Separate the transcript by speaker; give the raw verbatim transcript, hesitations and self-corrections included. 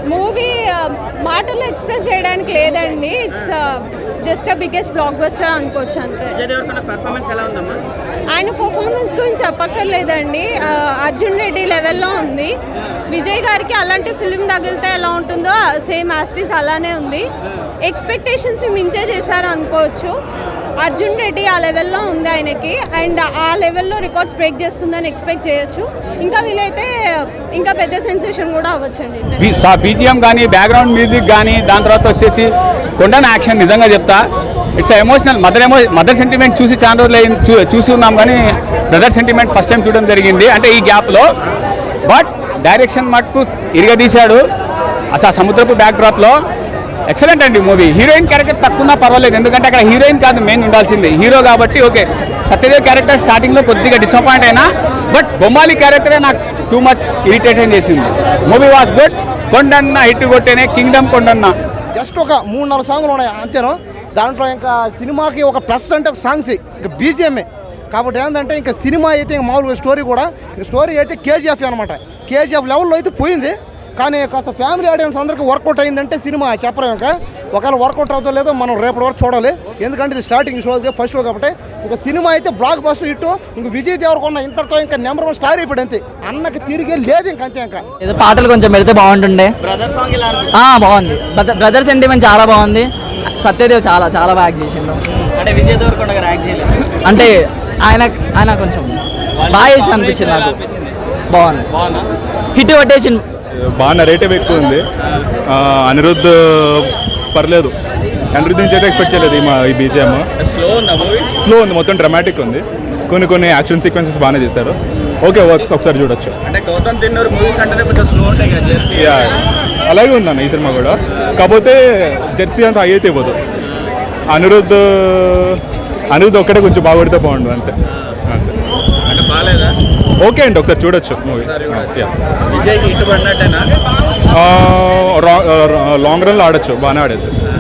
Speaker 1: Movie మాటల్లో express చేయడానికి లేదండి. It's just a biggest blockbuster అనుకోవచ్చు అంతే. ఆయన పర్ఫార్మెన్స్ గురించి చెప్పక్కర్లేదండి. అర్జున్ రెడ్డి లెవెల్లో ఉంది. విజయ్ గారికి అలాంటి ఫిల్మ్ తగిలితే ఎలా ఉంటుందో సేమ్ యాస్టిస్ అలానే ఉంది. ఎక్స్పెక్టేషన్స్ మించే చేశారు అనుకోవచ్చు. అర్జున్ రెడ్డి ఆ లెవెల్లో ఉంది ఆయనకి, అండ్ ఆ లెవెల్లో రికార్డ్స్ బ్రేక్ చేస్తుందని ఎక్స్పెక్ట్ చేయొచ్చు. ఇంకా వీలైతే ఇంకా పెద్ద సెన్సేషన్ కూడా అవ్వచ్చండి.
Speaker 2: బీజిఎం కానీ బ్యాక్గ్రౌండ్ మ్యూజిక్ కానీ దాని తర్వాత వచ్చేసి కొండన యాక్షన్ నిజంగా చెప్తా it's emotional. Mother emo mother sentiment చూసి చాలా రోజులు చూ చూసి ఉన్నాం కానీ బ్రదర్ సెంటిమెంట్ ఫస్ట్ టైం చూడడం జరిగింది అంటే ఈ గ్యాప్లో. బట్ డైరెక్షన్ మటుకు ఇరగదీశాడు. అసలు ఆ సముద్రపు బ్యాక్డ్రాప్లో ఎక్సలెంట్ అండి మూవీ. హీరోయిన్ క్యారెక్టర్ తక్కువ పర్వాలేదు, ఎందుకంటే అక్కడ హీరోయిన్ కాదు మెయిన్ ఉండాల్సింది, హీరో కాబట్టి ఓకే. సత్యదేవ్ క్యారెక్టర్ స్టార్టింగ్లో కొద్దిగా డిసప్పాయింట్ అయినా, బట్ బొమ్మాలి క్యారెక్టరే నాకు టూ మచ్ ఇరిటేషన్ చేసింది. Movie was good. Kondanna hit కొట్టేనే కింగ్డమ్ కొండన్న.
Speaker 3: జస్ట్ ఒక మూడు నాలుగు సాంగ్లు ఉన్నాయి అంతేనో. దాంట్లో ఇంకా సినిమాకి ఒక ప్లస్ అంటే ఒక సాంగ్స్ ఇంకా బీజిఎంఏ కాబట్టి ఏంటంటే ఇంకా సినిమా అయితే ఇంకా మామూలుగా స్టోరీ కూడా స్టోరీ అయితే కేజీఎఫ్ అనమాట. కేజీఎఫ్ లెవెల్లో అయితే పోయింది, కానీ కాస్త ఫ్యామిలీ ఆడియన్స్ అందరికీ వర్కౌట్ అయిందంటే సినిమా చెప్పలేం. ఇంకా ఒకవేళ వర్కౌట్ అవుతుందో లేదో మనం రేపటి వరకు చూడాలి, ఎందుకంటే ఇది స్టార్టింగ్ షో ఫస్ట్ షో కాబట్టి. ఇంకా సినిమా అయితే బ్లాక్ బస్టర్ హిట్. ఇంకా విజయ్ దేవరకొండ ఇంతటితో ఇంకా నెంబర్ వన్ స్టార్ అయిపోయాడు అంతే, అన్నకి తిరిగే లేదు ఇంక అంతే. ఇంకా
Speaker 4: ఏదో పాటలు కొంచెం పెడితే బాగుంటుండే. బాగుంది, బ్రదర్ సెంటిమెంట్ చాలా బాగుంది. సత్యదేవ్ చాలా చాలా బాగా యాక్ట్ చేసిండు.
Speaker 5: అంటే విజయ్ దేవరకొండ గారు యాక్ట్ చేయలేదు
Speaker 4: అంటే ఆయన ఆయన కొంచెం బాగా చేసి అనిపించింది నాకు. బాగుంది, హిట్ కొట్టేసిండు.
Speaker 6: బాగా నెరేటివ్ ఎక్కువ ఉంది. అనిరుద్ధ్ పర్లేదు, అనిరుద్ధ్ నుంచి అయితే ఎక్స్పెక్ట్ చేయలేదు ఈ మా ఈ బీజిఎం.
Speaker 5: స్లో ఉంది మూవీ,
Speaker 6: స్లో ఉంది, మొత్తం డ్రామాటిక్ ఉంది. కొన్ని కొన్ని యాక్షన్ సీక్వెన్సెస్ బాగానే చేశారు. ఓకే, వర్క్స్ ఒకసారి చూడొచ్చు.
Speaker 5: అంటే గౌతమ్ తిన్నూరు మూవీస్ అంటే కొంచెం స్లో ఉంటాయి కదా జెర్సీ.
Speaker 6: అలాగే ఉందన్న ఈ సినిమా కూడా, కాకపోతే జెర్సీ అంత హై అయితే ఇవ్వదు. అనిరుద్ధ్ అనిరుద్ధ్ ఒక్కటే కొంచెం బాగుపడితే బాగుండు అంతే అంతే.
Speaker 5: అంటే బాగాలేదా?
Speaker 6: ఓకే అండి, ఒకసారి చూడొచ్చు మూవీ.
Speaker 5: విజయ్కి ఇటు పడినట్టేనా?
Speaker 6: లాంగ్ రన్లో ఆడొచ్చు, బాగానే ఆడేది.